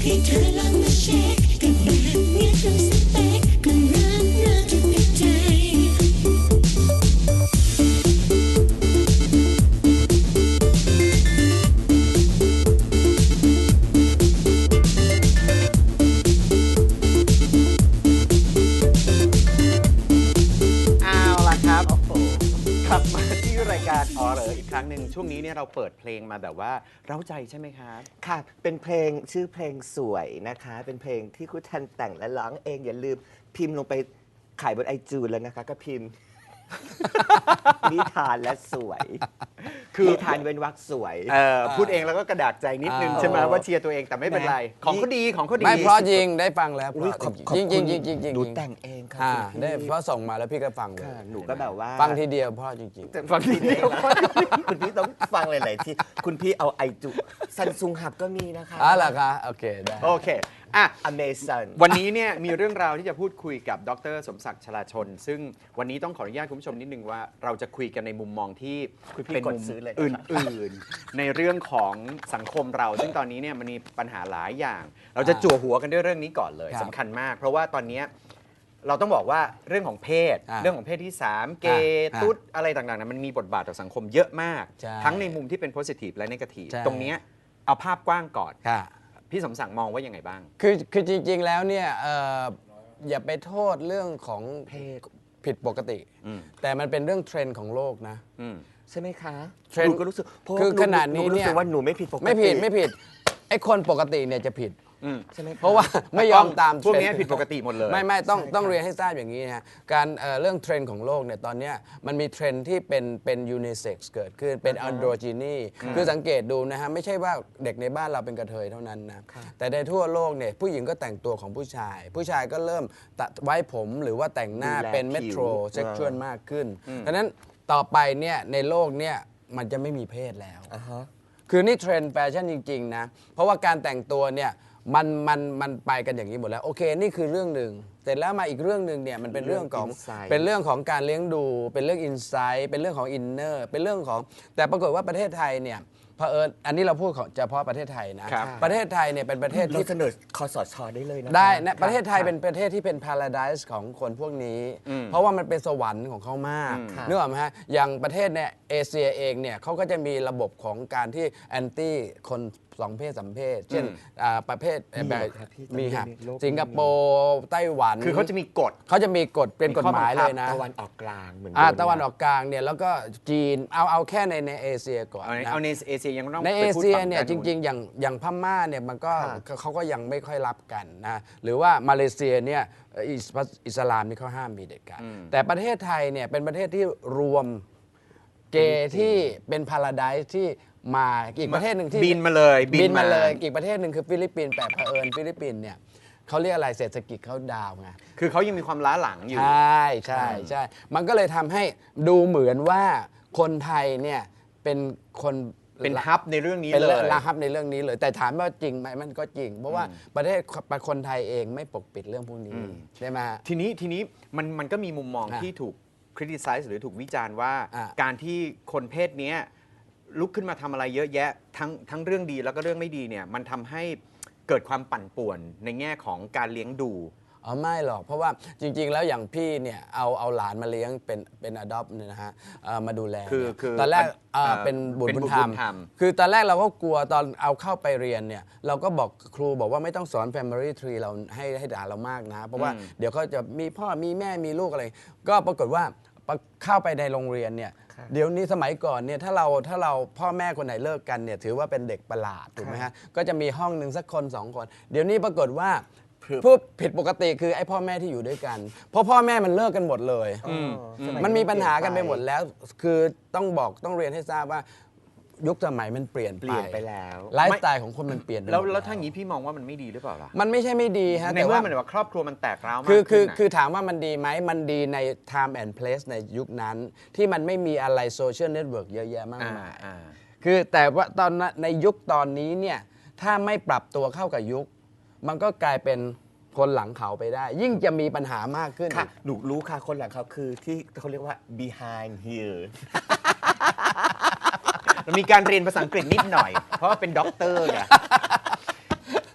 ให้เธอลองมาเช็คกับแบบเนี้ยทำสเปคก็รักจะติดใจกลับมาที่รายการอ๋อเหรออีกครั้งหนึ่งช่วงนี้เนี่ยเราเปิดเพลงมาแบบว่าเร้าใจใช่ไหมครับค่ะเป็นเพลงชื่อเพลงสวยนะคะเป็นเพลงที่คุณทันแต่งและร้องเองอย่าลืมพิมพ์ลงไปขายบนiTunesแล้วนะคะก็พิมพ์ นิทานและสวยคือนิทานเว้นวรรคสวยพูดเองแล้วก็กระดากใจนิดนึงใช่ไหมว่าเชียร์ตัวเองแต่ไม่เป็นไรของเขาดีของเขาดีไม่เพราะจริงได้ฟังแล้วจริงจริงจริงจริงหนูแต่งเองค่ะได้เพราะส่งมาแล้วพี่ก็ฟังเลยหนูก็แบบว่าฟังทีเดียวเพราะจริงฟังทีเดียวคุณพี่ต้องฟังหลายๆที่คุณพี่เอาซัมซุงหับก็มีนะคะเหรอคะโอเคได้โอเคอ่ะ Amazon วันนี้เนี่ยมีเรื่องราวที่จะพูดคุยกับดร.สมศักดิ์ชลาชนซึ่งวันนี้ต้องขออนุญาตคุณผู้ชมนิดนึงว่าเราจะคุยกันในมุมมองที่เป็นมุมอื่นๆในเรื่องของสังคมเราซึ่งตอนนี้เนี่ยมันมีปัญหาหลายอย่างเราจะจั่วหัวกันด้วยเรื่องนี้ก่อนเลยสำคัญมากเพราะว่าตอนนี้เราต้องบอกว่าเรื่องของเพศเรื่องของเพศที่3เกย์ตุ๊ดอะไรต่างๆมันมีบทบาทต่อสังคมเยอะมากทั้งในมุมที่เป็น positive และ negative ตรงนี้เอาภาพกว้างก่อนพี่สมศักดิ์มองว่ายังไงบ้างคือจริงๆแล้วเนี่ยอย่าไปโทษเรื่องของเพศผิดปกติแต่มันเป็นเรื่องเทรนด์ของโลกนะใช่ไหมคะเทรนด์ก็รู้สึกคือขนาดนี้เนี่ยว่าหนูไม่ผิดปกติไม่ผิดไอ้คนปกติเนี่ยจะผิดใช่ไหมเพราะว่าไม่ยอมตามพวกนี้ผิดปกติหมดเลยไม่ต้องเรียนให้ทราบอย่างนี้นะการเรื่องเทรนด์ของโลกเนี่ยตอนนี้มันมีเทรนด์ที่เป็นยูนิเซ็กซ์เกิดขึ้นเป็นอันโดรจีนีคือสังเกตดูนะฮะไม่ใช่ว่าเด็กในบ้านเราเป็นกระเทยเท่านั้นนะแต่ในทั่วโลกเนี่ยผู้หญิงก็แต่งตัวของผู้ชายก็เริ่มตัดไว้ผมหรือว่าแต่งหน้าเป็นเมโทรเซ็กชวลมากขึ้นดังนั้นต่อไปเนี่ยในโลกเนี่ยมันจะไม่มีเพศแล้วคือนี่เทรนด์แฟชั่นจริงๆนะเพราะว่าการแต่งตัวเนี่ยมันไปกันอย่างนี้หมดแล้วโอเคนี่คือเรื่องหนึ่งเสร็จแล้วมาอีกเรื่องหนึ่งเนี่ยมันเป็นเรื่องของการเลี้ยงดูเป็นเรื่องอินไซต์เป็นเรื่องของอินเนอร์เป็นเรื่องของแต่ปรากฏว่าประเทศไทยเนี่ยเผอิญอันนี้เราพูดเฉพาะประเทศไทยนะประเทศไทยเนี่ยเป็นประเทศที่เสนอคสช.ได้เลยนะได้นะประเทศไทยเป็นประเทศที่เป็นพาราไดซ์ของคนพวกนี้เพราะว่ามันเป็นสวรรค์ของเขามากนึกออกไหมฮะอย่างประเทศเนี่ยเอเชียเองเนี่ยเขาก็จะมีระบบของการที่แอนตี้คน2 เพศ 3 เพศเช่นประเภทแบบมีครับสิงคโปร์ไต้หวันคือเขาจะมีกฎเป็นกฎหมายเลยนะตะวันออกกลางเหมือนตะวันออกกลางเนี่ยแล้วก็จีนเอาแค่ในเอเชียก่อนเอาในเอเชียยังต้องในเอเชียเนี่ยจริงๆอย่างพม่าเนี่ยมันก็เขาก็ยังไม่ค่อยรับกันนะหรือว่ามาเลเซียเนี่ยอิสลามนี่เขาห้ามมีเด็ดขาดแต่ประเทศไทยเนี่ยเป็นประเทศที่รวมเกย์ที่เป็นพาราไดซ์ที่มาอีกประเทศหนึ่งที่บินมาเลยอีกประเทศหนึ่งคือฟิลิปปินส์แต่เผอิญฟิลิปปินส์เนี่ยเขาเรียกอะไรเศรษฐกิจเขาดาวไงคือเขายังมีความล้าหลังอยู่ใช่มันก็เลยทำให้ดูเหมือนว่าคนไทยเนี่ยเป็นคนเป็นฮับในเรื่องนี้เลยเป็นฮับในเรื่องนี้เลยแต่ถามว่าจริงไหมมันก็จริงเพราะว่าประเทศคนไทยเองไม่ปกปิดเรื่องพวกนี้ใช่ไหมทีนี้มันก็มีมุมมองที่ถูกคริติไซส์หรือถูกวิจารณ์ว่าการที่คนเพศนี้ลุกขึ้นมาทำอะไรเยอะแยะทั้งเรื่องดีแล้วก็เรื่องไม่ดีเนี่ยมันทำให้เกิดความปั่นป่วนในแง่ของการเลี้ยงดูไม่หรอกเพราะว่าจริงๆแล้วอย่างพี่เนี่ยเอาหลานมาเลี้ยงเป็นอดอปเนี่ยนะฮะมาดูแลตอนแรกเป็นบุตรบุญธรรมคือตอนแรกเราก็กลัวตอนเอาเข้าไปเรียนเนี่ยเราก็บอกครูบอกว่าไม่ต้องสอน Family Tree เราให้ด่าเรามากนะเพราะว่าเดี๋ยวเขาจะมีพ่อมีแม่มีลูกอะไรก็ปรากฏว่าเข้าไปในโรงเรียนเนี่ยเดี๋ยวนี้สมัยก่อนเนี่ยถ้าเราพ่อแม่คนไหนเลิกกันเนี่ยถือว่าเป็นเด็กประหลาดถูกไหมฮะก็จะมีห้องหนึ่งสักคน2 คนเดี๋ยวนี้ปรากฏว่าผู้ผิดปกติคือไอ้พ่อแม่ที่อยู่ด้วยกันเพราะพ่อแม่มันเลิกกันหมดเลยมันมีปัญหากันไปหมดแล้วคือต้องเรียนให้ทราบว่ายุคสมัยมันเปลี่ยนไปแล้วไลฟ์สไตล์ของคนมันเปลี่ยนไปแล้วถ้าอย่างนี้พี่มองว่ามันไม่ดีหรือเปล่าล่ะมันไม่ใช่ไม่ดีฮะในเมื่อมันว่าครอบครัวมันแตกร้าวมากคือถามว่ามันดีไหมมันดีใน time and place ในยุคนั้นที่มันไม่มีอะไรโซเชียลเน็ตเวิร์กเยอะแยะมากมายคือแต่ว่าตอนในยุคตอนนี้เนี่ยถ้าไม่ปรับตัวเข้ากับยุคมันก็กลายเป็นคนหลังเขาไปได้ยิ่งจะมีปัญหามากขึ้นค่ะหนูรู้ค่ะคนหลังเขาคือที่เขาเรียกว่า behind here มีการเรียนภาษาอังกฤษนิดหน่อยเพราะว่าเป็นด็อกเตอร์ไง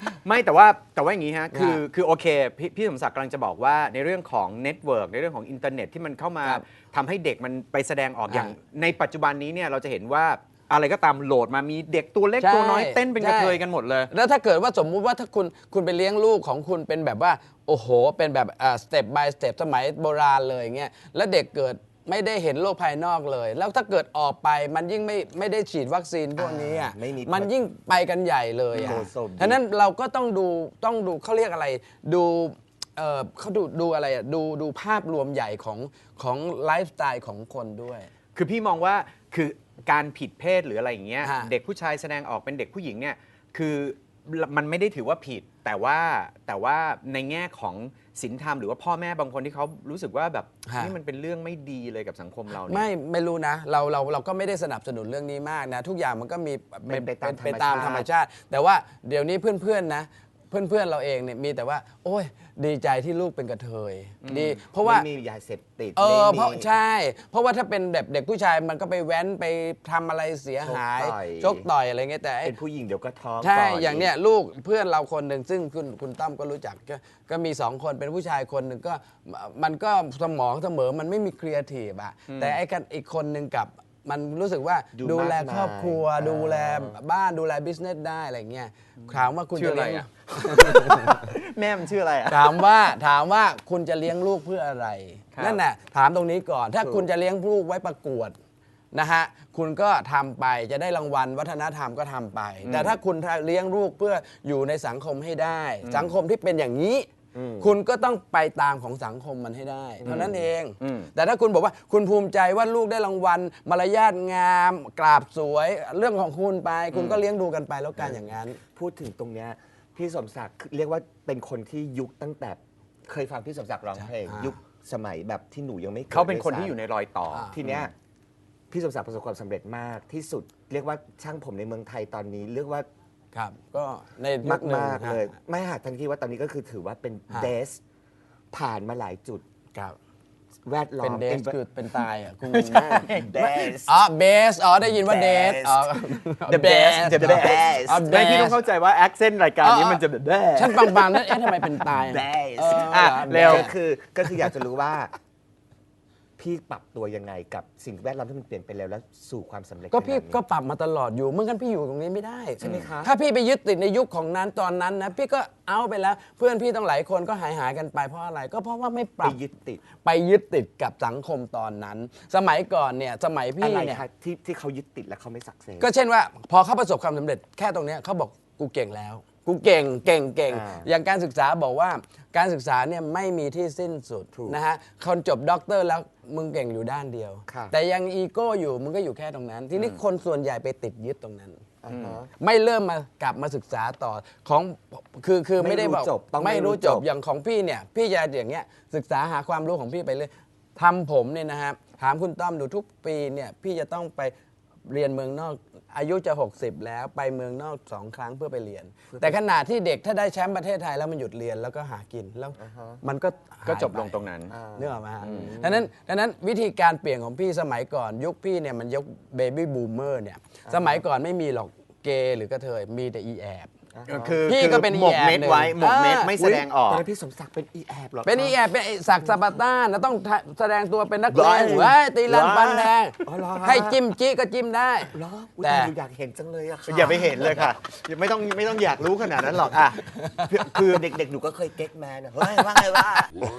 ไม่แต่ว่าอย่างนี้ฮะคือโอเคพี่สมศักดิ์กำลังจะบอกว่าในเรื่องของเน็ตเวิร์กในเรื่องของอินเทอร์เน็ตที่มันเข้ามาครับทำให้เด็กมันไปแสดงออกอ่าอย่างในปัจจุบันนี้เนี่ยเราจะเห็นว่าอะไรก็ตามโหลดมามีเด็กตัวเล็กใช่ตัวน้อยเต้นเป็นกระเทยใช่กันหมดเลยแล้วถ้าเกิดว่าสมมุติว่าถ้าคุณไปเลี้ยงลูกของคุณเป็นแบบว่าโอ้โหเป็นแบบสเต็ป by สเต็ปสมัยโบราณเลยอย่างเงี้ยแล้วเด็กเกิดไม่ได้เห็นโลกภายนอกเลย แล้วถ้าเกิดออกไปมันยิ่งไม่ได้ฉีดวัคซีนพวกนี้อ่ะไม่มีมันยิ่งไปกันใหญ่เลยอ่ะโอ้โซมฉะนั้นเราก็ต้องดูเขาเรียกอะไรดูเขาดูอะไรอ่ะดูภาพรวมใหญ่ของไลฟ์สไตล์ของคนด้วยคือพี่มองว่าคือการผิดเพศหรืออะไรอย่างเงี้ยฮะเด็กผู้ชายแสดงออกเป็นเด็กผู้หญิงเนี่ยคือมันไม่ได้ถือว่าผิด แต่ว่าในแง่ของศีลธรรมหรือว่าพ่อแม่บางคนที่เขารู้สึกว่าแบบนี่มันเป็นเรื่องไม่ดีเลยกับสังคมเราเนี่ยไม่รู้นะเราก็ไม่ได้สนับสนุนเรื่องนี้มากนะ ทุกอย่างมันก็มีเป็นไปตามไปตามธรรมชาติ แต่ว่าเดี๋ยวนี้เพื่อนๆนะเพื่อนเราเองเนี่ยมีแต่ว่า โอ้ยดีใจที่ลูกเป็นกระเทยดีเพราะว่าไม่มียาเสพติดเพไม่ราะมีใช่ เพราะว่าถ้าเป็นแบบเด็กผู้ชายมันก็ไปแว้นไปทำอะไรเสียหายชกต่อยชกต่อยอะไรเงี้ยแต่ไอ้เป็นผู้หญิงเดี๋ยวก็ท้องใช่ก่อย่างเนี้ยลูกเพื่อนเราคนหนึ่งซึ่งคุณตั้มก็รู้จักก็มี2 คนเป็นผู้ชายคนหนึ่งก็มันก็สมองเสมอมันไม่มีครีเอทีฟอะแต่ไอ้กันอีกคนหนึ่งกับมันรู้สึกว่าดูแลครอบครัว ดูแลบ้านดูแลบิสเนสได้อะไรเงี้ยถามว่าคุณชื่อจะอะไรเลี้ยงอะ แม่มันชื่ออะไรอะถามว่าคุณจะเลี้ยงลูกเพื่ออะไรครับนั่นน่ะถามตรงนี้ก่อน ถ้าคุณจะเลี้ยงลูกไว้ประกวดนะฮะคุณก็ทำไปจะได้รางวัลวัฒนธรรมก็ทำไป แต่ถ้าคุณเลี้ยงลูกเพื่ออยู่ในสังคมให้ได้ สังคมที่เป็นอย่างนี้ คุณก็ต้องไปตามของสังคมมันให้ได้เท่านั้นเอง แต่ถ้าคุณบอกว่าคุณภูมิใจว่าลูกได้รางวัลมารยาทงามกราบสวยเรื่องของคุณไป คุณก็เลี้ยงดูกันไปแล้วกันอย่างนั้นพูดถึงตรงเนี้ยพี่สมศักดิ์เรียกว่าเป็นคนที่ยุคตั้งแต่เคยฟังพี่สมศักดิ์ร้องเพลงใช่ยุคสมัยแบบที่หนูยังไม่กิดเขาเป็นคนด้วยซ้ำที่อยู่ในรอยต่อทีเนี้ยพี่สมศักดิ์ประสบความสำเร็จมากที่สุด เรียกว่าช่างผมในเมืองไทยตอนนี้เรียกว่าครับก็ในมากหนึ่งมากๆเลยฮะไม่หากทันทีว่าตอนนี้ก็คือถือว่าเป็นฮะเดสผ่านมาหลายจุดครับแวดล้อเป็นมเดสคือเป็นตายอ่ะคุณเดสอ๋อเบสอ๋อได้ยินว่าเดส Best อ๋อ The best The best อ๋อไม่พี่ต้อง best เข้าใจว่าแอคเซนต์รายการนี้มันจะแบบแด้ฉันบางๆนั่นเอ๊ะทำไมเป็นตายอะ Best อ่ะเร็วก็คืออยากจะรู้ว่า พี่ปรับตัวยังไงกับสิ่งแวดล้อมที่มันเปลี่ยนไปแล้วสู่ความสำเร็จก็พี่ขนาดนี้ก็ปรับมาตลอดอยู่เมื่อกันพี่อยู่ตรงนี้ไม่ได้ใช่ไหมคะถ้าพี่ไปยึดติดในยุคของนั้นตอนนั้นนะพี่ก็เอาไปแล้ว เพื่อนพี่ต้องหลายคนก็หายกันไปเพราะอะไรก็เพราะว่าไม่ปไปรับยึดติดไปยึดติดกับสังคมตอนนั้น สมัยก่อนเนี่ยสมัยอะพี่ไรเนี่ยคะที่เขายึดติดแล้วเขาไม่สักเซสก็เช่นว่าพอเขาประสบความสำเร็จแค่ตรงเนี้ยเขาบอกกูเก่งแล้ว กูเก่งอ่าอย่างการศึกษาบอกว่าการศึกษาเนี่ยไม่มีที่สิ้นสุดถูกนะฮะคนจบด็อกเตอร์แล้วมึงเก่งอยู่ด้านเดียวค่ะแต่ยังอีโก้อยู่มึงก็อยู่แค่ตรงนั้น ทีนี้คนส่วนใหญ่ไปติดยึดตรงนั้นอ่าฮะไม่เริ่มมากลับมาศึกษาต่อของคือไม่ได้บอกไม่รู้จบต้องไม่ไม่รู้รู้จจบบ อย่างของพี่เนี่ยพี่จะอย่างเงี้ยศึกษาหาความรู้ของพี่ไปเลยทำผมเนี่ยนะครับถามคุณต้อมดูทุกปีเนี่ยพี่จะต้องไปเรียนเมืองนอกอายุจะ 60 แล้วไปเมืองนอก2 ครั้งเพื่อไปเรียน แต่ขณะที่เด็กถ้าได้แชมป์ประเทศไทยแล้วมันหยุดเรียนแล้วก็หากินแล้วมันก็หายก็จบไปลงตรงนั้นนึกออกไหมฮะดังนั้นวิธีการเปลี่ยนของพี่สมัยก่อนยุคพี่เนี่ยมันยกเบบี้บูมเมอร์เนี่ยสมัยก่อนไม่มีหรอกเกย์หรือกระเทยมีแต่อีแอบคือพี่ก็เป็นหมกเม็ดไว้อีแอบหนึ่งหมกเม็ดไม่แสดงออกตอนนั้นพี่สมศักดิ์เป็นอีแอบหรอเป็นอีแอบเป็นไอ้ศักดิ์สปาร์ต้านนะต้องแสดงตัวเป็นนักเลงว้ายเว้ยตีลันฟันแทงอ๋อเหรอฮะให้จิ้มจี้ก็จิ้มได้เหรออุ๊ยแต่หนูอยากเห็นจังเลยอะค่ะอย่าไปเห็นเลยค่ะไม่ต้องอยากรู้ขนาดนั้นหรอกอ่ะคือเด็กๆหนูก็เคยเก๊กแมนอะเฮ้ยว่าไงว่า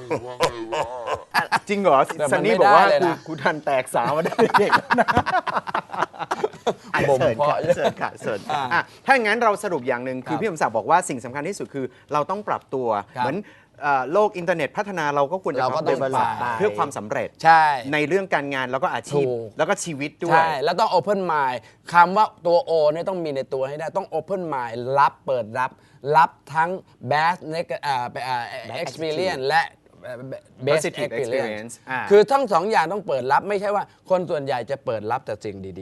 จริงเหรอแต่มันซันนี่ไม่บอกว่าได้เลยนะกูทันแตกสาวมาได้เด็กๆนะบ่มเสิร์ชเพาะค่ะเสิร์ชค่ะเสิร์ชอ่ะถ้าอย่างนั้นเราสรุปอย่างหนึ่งคือครับพี่สมศักดิ์บอกว่าสิ่งสำคัญที่สุดคือเราต้องปรับตัวครับเหมือนโลกอินเทอร์เน็ตพัฒนาเราก็ควรจะเราก็ต้อง develop ปรับเพื่อความสำเร็จใช่ในเรื่องการงานแล้วก็อาชีพถูกแล้วก็ชีวิตด้วยใช่ แล้วต้อง Open Mind คำว่าตัว O เนี่ยต้องมีในตัวให้ได้ ต้อง Open Mind เปิดรับทั้ง best experience และ best Positive experience อ่าคือทั้ง 2 อย่างต้องเปิดรับไม่ใช่ว่าคนส่วนใหญ่จะเปิดรับแต่สิ่งดี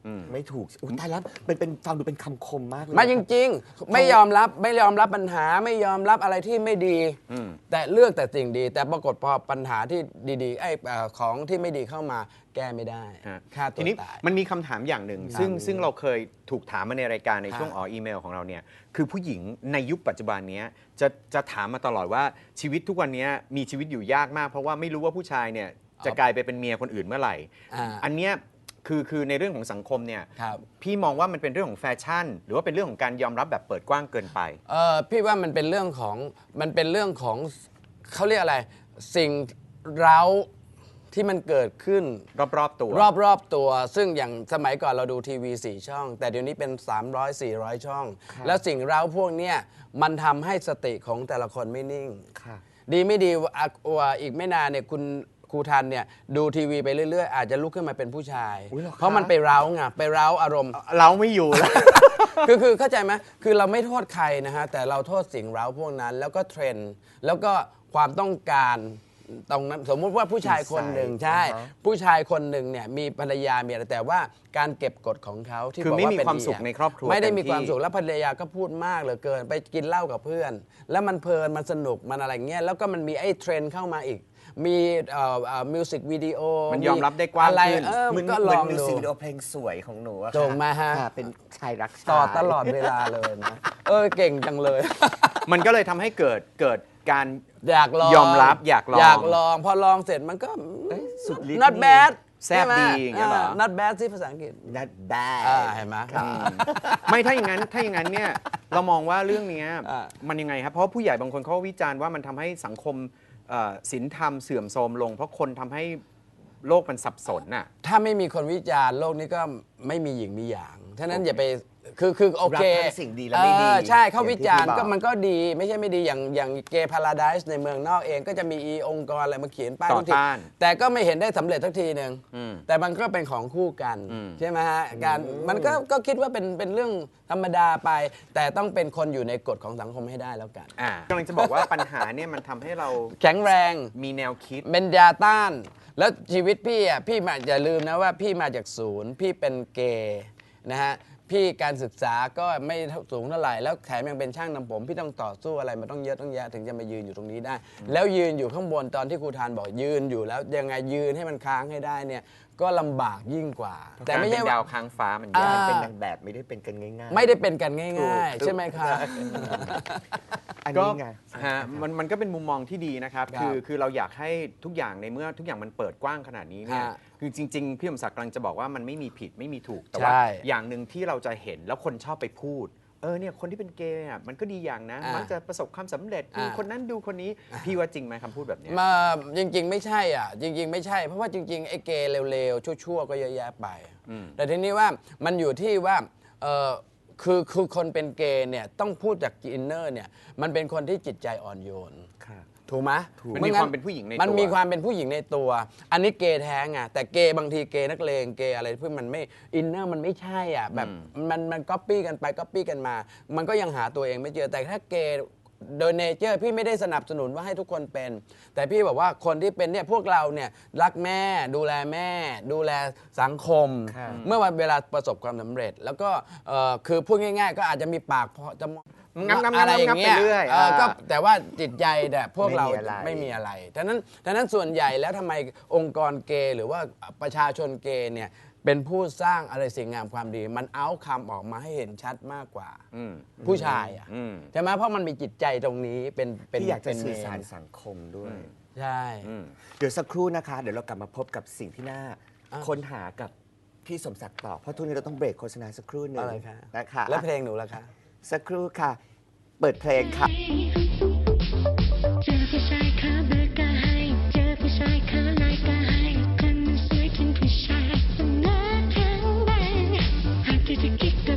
ไม่ถูกอุ้ยตายแล้วเป็นฟังดูเป็นคำคมมากเลยมาจริงๆ ไม่ยอมรับปัญหาไม่ยอมรับอะไรที่ไม่ดีแต่เลือกแต่สิ่งดี แต่ปรากฏพอปัญหาที่ดีๆของที่ไม่ดีเข้ามาแก้ไม่ได้ฆ่าตัทีวนี้ตายมันมีคำถามอย่างหนึ่งซึ่งเราเคยถูกถามมาในรายการในช่วงอีเมลของเราเนี่ยคือผู้หญิงในยุคปัจจุบันนี้จะถามมาตลอดว่าชีวิตทุกวันนี้มีชีวิตอยู่ยากมาก เพราะว่าไม่รู้ว่าผู้ชายเนี่ยจะกลายไปเป็นเมียคนอื่นเมื่อไหร่ อันเนี้ยคือในเรื่องของสังคมเนี่ยครับพี่มองว่ามันเป็นเรื่องของแฟชั่น หรือว่าเป็นเรื่องของการยอมรับแบบเปิดกว้างเกินไปพี่ว่ามันเป็นเรื่องของเขาเรียกอะไร สิ่งเร้าที่มันเกิดขึ้นรอบๆตัวรอบตัว ซึ่งอย่างสมัยก่อนเราดูทีวี4 ช่อง แต่เดี๋ยวนี้เป็น 300-400 ช่อง แล้วสิ่งเร้าพวกเนี้ยมันทำให้สติของแต่ละคนไม่นิ่งค่ะดีไม่ดีอีกไม่นานเนี่ยคุณครูทันเนี่ยดูทีวีไปเรื่อยๆ อาจจะลุกขึ้นมาเป็นผู้ชายอุ๊ยเหรอคะเพราะมันไปเร้าไงไปเร้าอารมณ์เราไม่อยู่แล้วคือเข้าใจไหมคือเราไม่โทษใครนะฮะ แต่เราโทษสิ่งเร้าพวกนั้น แล้วก็เทรนด์ แล้วก็ความต้องการตรงนั้น สมมุติว่าผู้ชายคนหนึ่งใช่ ผู้ชายคนหนึ่งเนี่ยมีภรรยามีอะไรแต่ว่าการเก็บกดของเขาที่คือบอกไม่ว่ามีเป็นความดีสุขในครอบครัวไม่ได้มีเต็มที่ความสุขแล้วภรรยาก็พูดมากเหลือเกิน ไปกินเหล้ากับเพื่อน แล้วมันเพลินมันสนุกมันอะไรเงี้ยแล้วก็มันมีไอ้เทรนด์เข้ามาอีก มีมิวสิกวิดีโอมันยอมรับได้กว้างอะไรขึ้นเหมือนก็เหลมือนองมิวดูสิกวิดีโอเพลงสวยของหนูอะค่ะตรงมาฮะค่ะเป็นชายรักชายต่อตลอดเวลาเลยนะ เก่งจังเลยมันก็เลยทำให้เกิดการอยากลองยอมรับอยากลองอยากลอง พอลองเสร็จมันก็สุดฤทธิ์ not bad แซ่บดีอย่างเงี้ยเหรอ not bad ที่ภาษาอังกฤษนัดได้เห็นไหมไม่ถ้าอย่างนั้นเนี่ยเรามองว่าเรื่องเนี้ยอ่ามันยังไงครับเพราะผู้ใหญ่บางคนเขาวิจารณ์ว่ามันทำให้สังคมศีลธรรมเสื่อมโทรมลง เพราะคนทำให้โลกมันสับสนน่ะถ้าไม่มีคนวิจารณ์โลกนี้ก็ไม่มีหญิงมีหยางฉะนั้นอย่าไปคือโอเครับทั้งสิ่งดีและไม่ดีใช่เขาวิจารณ์อย่างที่พี่บอกก็มันก็ดีไม่ใช่ไม่ดีอย่างเกย์พาราไดส์ในเมืองนอกเองก็จะมีองค์กรอะไรมาเขียนป้ายต่อทุกทีต้านแต่ก็ไม่เห็นได้สำเร็จสักทีหนึ่งอืมแต่มันก็เป็นของคู่กันอืมใช่ไหมฮะการมันก็คิดว่าเป็นเรื่องธรรมดาไป แต่ต้องเป็นคนอยู่ในกฎของสังคมให้ได้แล้วกันกำลังจะบอกว่าปัญหาเนี่ยมันทำให้เราแข็งแรงมีแนวคิดเป็นยาต้าน แล้วชีวิตพี่อ่ะพี่มาอย่าลืมนะว่าพี่มาจากศูนย์ พี่เป็นเกย์นะฮะพี่การศึกษาก็ไม่สูงเท่าไหร่แล้วแถมยังเป็นช่างนำผม พี่ต้องต่อสู้อะไรมาต้องเยอะต้องแยะถึงจะมายืนอยู่ตรงนี้ได้ แล้วยืนอยู่ข้างบนตอนที่ครูทานบอกยืนอยู่แล้วยังไงยืนให้มันค้างให้ได้เนี่ยก็ลำบากยิ่งกว่า แต่การไม่เป็ใช่นว่าดาวค้างฟ้ามันอ่ายากเป็นนางแบบไม่ได้เป็นกันง่ายๆไม่ได้เป็นกันง่ายถูๆกใช่ไหมครับอันก็นี้ไงฮะมันก็เป็นมุมมองที่ดีนะครับครับคือเราอยากให้ทุกอย่างในเมื่อทุกอย่างมันเปิดกว้างขนาดนี้เนี่ยฮะคือจริงๆพี่สมศักดิ์กำลังจะบอกว่ามันไม่มีผิดไม่มีถูกแต่ว่าใช่อย่างหนึ่งที่เราจะเห็นแล้วคนชอบไปพูดเนี่ยคนที่เป็นเกย์อ่ะมันก็ดีอย่างนะมักจะประสบความสำเร็จดูคนนั้นดูคนนี้พี่ว่าจริงไหมคำพูดแบบเนี้ยมาจริง ๆ ไม่ใช่อ่ะจริง ๆ ไม่ใช่ เพราะว่าจริง ๆ ไอ้เกย์เร็วๆ ชั่วๆ ก็เยอะแยะไป แต่ทีนี้ว่ามันอยู่ที่ว่าคือคนเป็นเกย์เนี่ยต้องพูดจากอินเนอร์เนี่ยมันเป็นคนที่จิตใจอ่อนโยนค่ะถูกไหมมันมีความเป็นผู้หญิงในตัวมันมีความเป็นผู้หญิงในตัว อันนี้เกย์แท้ไงแต่เกย์บางทีเกย์นักเลงเกย์อะไรเพื่อมันไม่อินเนอร์มันไม่ใช่อ่ะแบบมันก๊อปปี้กันไปก๊อปปี้กันมา มันก็ยังหาตัวเองไม่เจอแต่ถ้าเกย์โดยเนเจอร์พี่ไม่ได้สนับสนุนว่าให้ทุกคนเป็น แต่พี่บอกว่าคนที่เป็นเนี่ยพวกเราเนี่ยรักแม่ดูแลแม่ ดูแลสังคมค่ะเมื่อวันเวลาประสบความสำเร็จ แล้วก็คือพูดง่ายๆ ก็อาจจะมีปากพอจะงับอะไรอย่างเงี้ยไปเรื่อยก็แต่ว่าจิตใจเนี่ยพวกเราไม่มีอะไรไม่มีอะไรดังนั้นส่วนใหญ่แล้วทำไมองค์กรเกย์หรือว่าประชาชนเกย์เนี่ยเป็นผู้สร้างอะไรสิ่งงามความดี มันเอาคำออกมาให้เห็นชัดมากกว่า ผู้ชายอ่ะใช่ไหมเพราะมันมีจิตใจตรงนี้เป็นที่อยากจะเป็นสื่อเมนสารสังคมด้วยใช่เดี๋ยวสักครู่นะคะ เดี๋ยวเรากลับมาพบกับสิ่งที่น่าค้นหากับพี่สมศักดิ์ต่อ เพราะทุกนี้เราต้องเบรกโฆษณาสักครู่หนึ่งอะไรคะนะคะแล้วเพลงหนูล่ะคะสักครู่ค่ะ เปิดเพลงค่ะเจอผู้ชายขาเบิกก็ให้ เจอผู้ชายขาลายก็ให้คนมันสวยถึงผู้ชายสนาแข็งแรงหากที่จะคิดก็